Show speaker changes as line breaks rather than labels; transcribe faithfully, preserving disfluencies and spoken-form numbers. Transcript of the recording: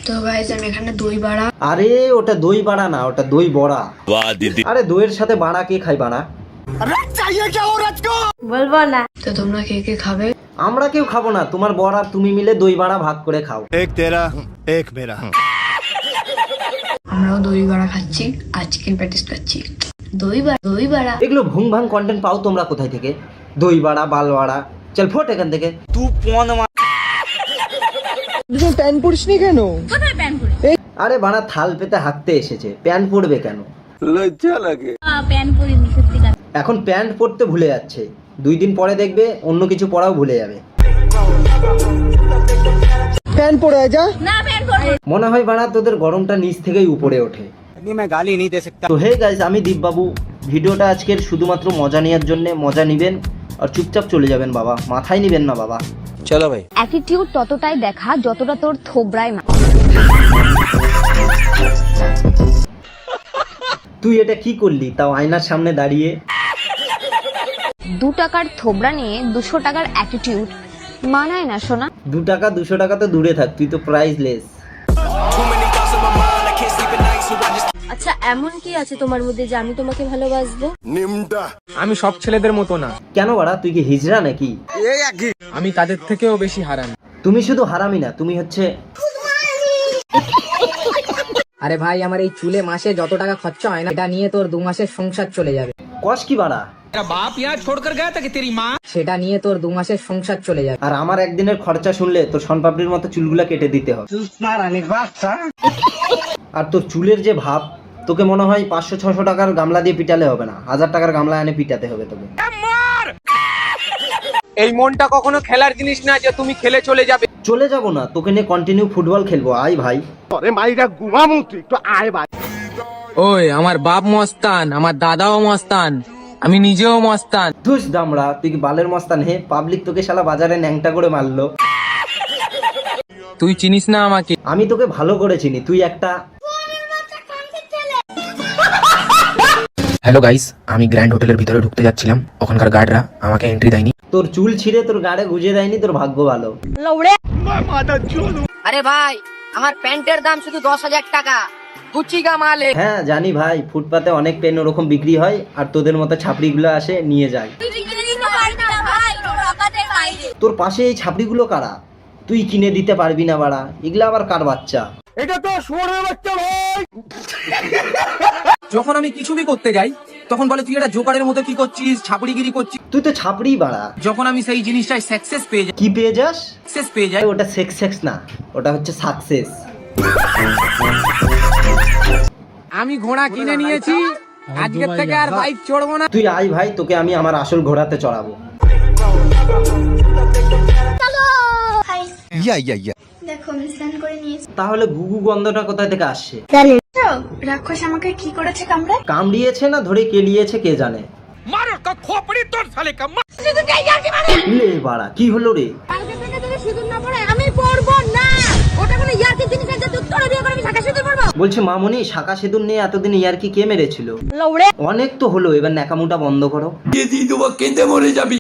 তো গাইস আমি এখানে দই বাড়া।
আরে ওটা দই বাড়া না, ওটা দই বড়া। বাহ দিদি। আরে দইয়ের সাথে বাড়া কে খায় বাড়া? আরে চাইয়ে কি ও রাজকো?
বলবো না। তো তোমরা কে কে খাবে?
আমরা কেউ খাবো না, তোমার বর আর তুমি মিলে দই বাড়া ভাগ করে খাও।
এক তেরা এক মেরা।
আমরাও দই বাড়া খাচ্ছি আর চিকেন প্যাটিস খাচ্ছি। দই বাড়া দই বাড়া
এগুলো ভুং ভাং কন্টেন্ট পাও তোমরা কোথায় থেকে? দই বাড়া বাল বাড়া, চল ফোট এখান থেকে। তুই পন
তুই প্যান পরিস নি কেন?
কোথায় প্যান পরি?
আরে বাড়া থাল পেতে হাঁকতে এসেছে, প্যান্ট পরবে কেন?
লজ্জা লাগে।
প্যান্ট পরিনি সত্যিকার।
এখন প্যান্ট পরতে ভুলে যাচ্ছে, দুই দিন পরে দেখবে অন্য কিছু পরাও ভুলে যাবে।
প্যান পরে আয় যা।
না প্যান্ট পরবো।
মনে হয় বাড়া তোদের গরমটা নিচ থেকেই উপরে ওঠে।
मैं गाली नहीं दे सकता।
তো হে গাইস, আমি দীপবাবু। ভিডিওটা আজকের শুধুমাত্র মজা নেওয়ার জন্য, মজা নিবেন আর চুপচাপ চলে যাবেন বাবা, মাথায় নিবেন না বাবা।
चलो भाई।
অ্যাটিটিউড ততটাই দেখা যতটা তোর থোবরায় মা।
তুই এটা কি করলি তাও আয়নার সামনে দাঁড়িয়ে?
দু টাকার থোবরা নিয়ে দুশো টাকার অ্যাটিটিউড মানায় না সোনা।
দু টাকা দুশো টাকা তো দূরে থাক, তুই তো প্রাইসলেস।
আচ্ছা এমন কি আছে তোমার মধ্যে যে আমি তোমাকে ভালোবাসবো?
আমি সব ছেলেদের মতো না,
কেন বাড়া, তুই কি হিজড়া নাকি?
আমি তাদের থেকেও বেশি হারান।
তুমি শুধু হারামি না, তুমি হচ্ছে।
আরে ভাই আমার এই চুলে মাসে যত টাকা খরচা হয় না, এটা নিয়ে তোর দু মাসের সংসার চলে যাবে।
কস কি বাড়া?
সেটা নিয়ে তোর দু মাসের সংসার চলে যাবে।
আর আমার একদিনের খরচা শুনলে তোর শনপাপড়ির মতো চুলগুলা কেটে দিতে হবে। আর তোর চুলের যে ভাব, তোকে মনে হয় পাঁচশো ছশো টাকার গামলা দিয়ে পিটালে হবে না, হাজার টাকার গামলা এনে পিটাতে হবে তোকে।
এই মনটা কখনো খেলার জিনিস না যে তুমি খেলে চলে যাবে।
চলে যাব না, তোকে নিয়ে কন্টিনিউ ফুটবল খেলবো, আয় ভাই।
ওই আমার বাপ মস্তান, আমার দাদাও মস্তান, আমি নিজেও মস্তান।
ধুস দামড়া, তুই কি বালের মস্তান হে? পাবলিক তোকে শালা বাজারে ন্যাংটা করে মারলো।
তুই চিনিস না আমাকে।
আমি তোকে ভালো করে চিনি, তুই একটা।
হ্যালো গাইস, আমি গ্র্যান্ড হোটেলের ভিতরে ঢুকতে যাচ্ছিলাম, ওখানকার গার্ডরা আমাকে এন্ট্রি দেয়নি।
তোর চুল ছিঁড়ে তোর গাড়ে গুজে দেয়নি, তোর ভাগ্য ভালো।
আরে ভাই আমার প্যান্টের দাম শুধু দশ হাজার টাকা, গুচিগা মালে।
হ্যাঁ জানি ভাই, ফুটপাতে অনেক পেন ওরকম বিক্রি হয়, আর তোদের মতো ছাপড়িগুলো আসে নিয়ে যায়। তোর পাশে এই ছাপড়িগুলো কারা? তুই কিনে দিতে পারবি না বাড়া, এগুলা আবার কার বাচ্চা?
এটা তো শুয়োরের বাচ্চা ভাই। যখন আমি কিছু বি করতে যাই তখন বলে তুই এটা জোকারের মতো কি করছিস, ছাপড়িগিরি করছিস।
তুই তো ছাপড়ি বাড়া।
যখন আমি সেই জিনিসটাই সাকসেস পেয়ে যাই,
কি পেয়ে যাস?
সাকসেস পেয়ে যাই,
ওটা সেক্স সেক্স না, ওটা হচ্ছে সাকসেস।
আমি ঘোড়া কিনে নিয়েছি, আজকের থেকে আর বাইক চড়বো না।
তুই আয় ভাই, তোকে আমি আমার আসল ঘোড়াতে চড়াবো।
या या या।
দেখো আমি স্নান করে নিয়েছি।
তাহলে গুগু গন্ধটা কোথায় থেকে আসছে?
রাক্ষস আমাকে কি করেছে কামড়ায়?
কামড়িয়েছে না ধরে কেলিয়েছে কে জানে। লে বাড়া, কি হলো রে?
কালকে থেকে যদি সিঁদুর না পড়ে আমি পড়বো না। ওটা কোনো ইয়ার্কি জিনিস আছে যে তোর বিয়ে করে আমি শাখা সিঁদুর পড়বো?
বলছে মামনি, শাখা সিঁদুর নিয়ে এতদিন ইয়ারকি কে মেরেছিল? অনেক তো হলো, এবার ন্যাকামুটা বন্ধ করো।